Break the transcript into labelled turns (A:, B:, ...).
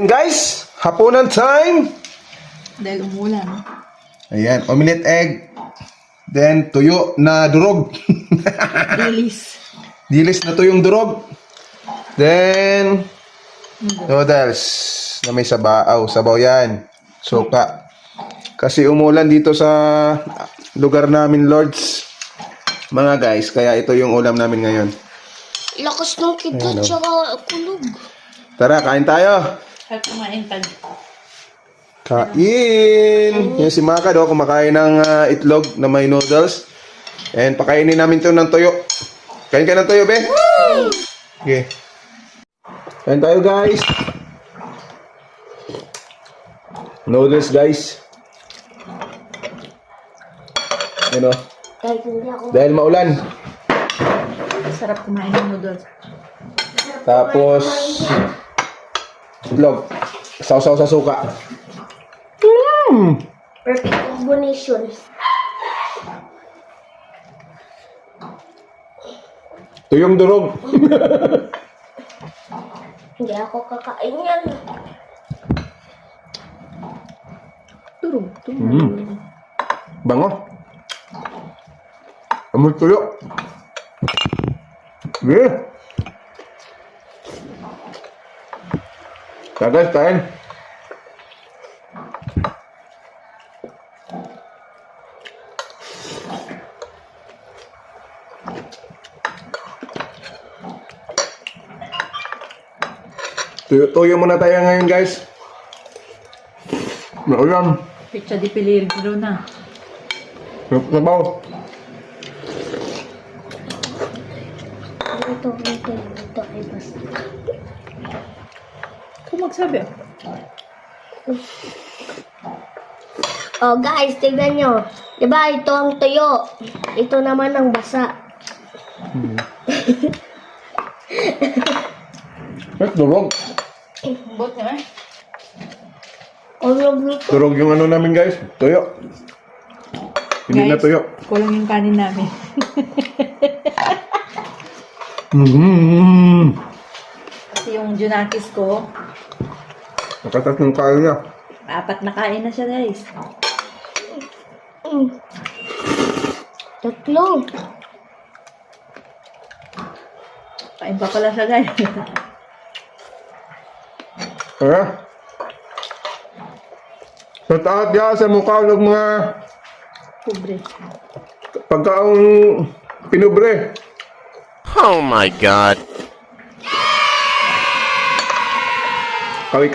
A: guys, hapunan time.
B: Dahil umulan.
A: Ayan, omelette egg. Then, tuyo na durog.
B: Dilis.
A: Dilis na tuyong durog. Then, noodles na may sabaw. Sabaw yan. Suka. Kasi umulan dito sa lugar namin, Lords. Mga guys, kaya ito yung ulam namin ngayon.
C: Lakas ng kita, tsaka kulog.
A: Tara, kain tayo.
B: At kumain tag.
A: Kain! Yan si Maka do, kumakain ng itlog na may noodles. And pakainin namin to ng toyo. Kain ka ng toyo, be? Okay. Kain tayo, guys. Noodles, guys. Ano?
C: Kahit hindi ako.
A: Dahil maulan.
B: Sarap kumain ng noodles.
A: Tapos, itlog. Sausaw sa suka.
C: Perfect combination.
A: Tuyong durog.
C: Hindi ako kakain yan.
B: Turog.
A: Bango. Amoy tuyo. Yeah. Guys, kain. Tuyo muna tayo ngayon, guys. Naulan.
B: Pizza di peligro na.
A: Sabaw.
C: Ito ay basta.
B: Kung magsabi.
C: Oh guys, tignan nyo. Diba ito ang tuyo. Ito naman ang basa.
A: Durog.
B: Bot naman.
C: Kulog nito.
A: Durog yung ano namin, guys. Tuyo. Hindi na tuyo.
B: Kulang yung kanin namin. Kasi yung junakis ko,
A: Nakatas ng kain niya.
B: 4 na kain na siya, guys.
C: Tatlo.
B: Kain pa pala siya, guys.
A: Kaya? Sa taat niya, sa mukha ng mga
B: Pobre.
A: pagkaong pinubre.
D: Oh my God.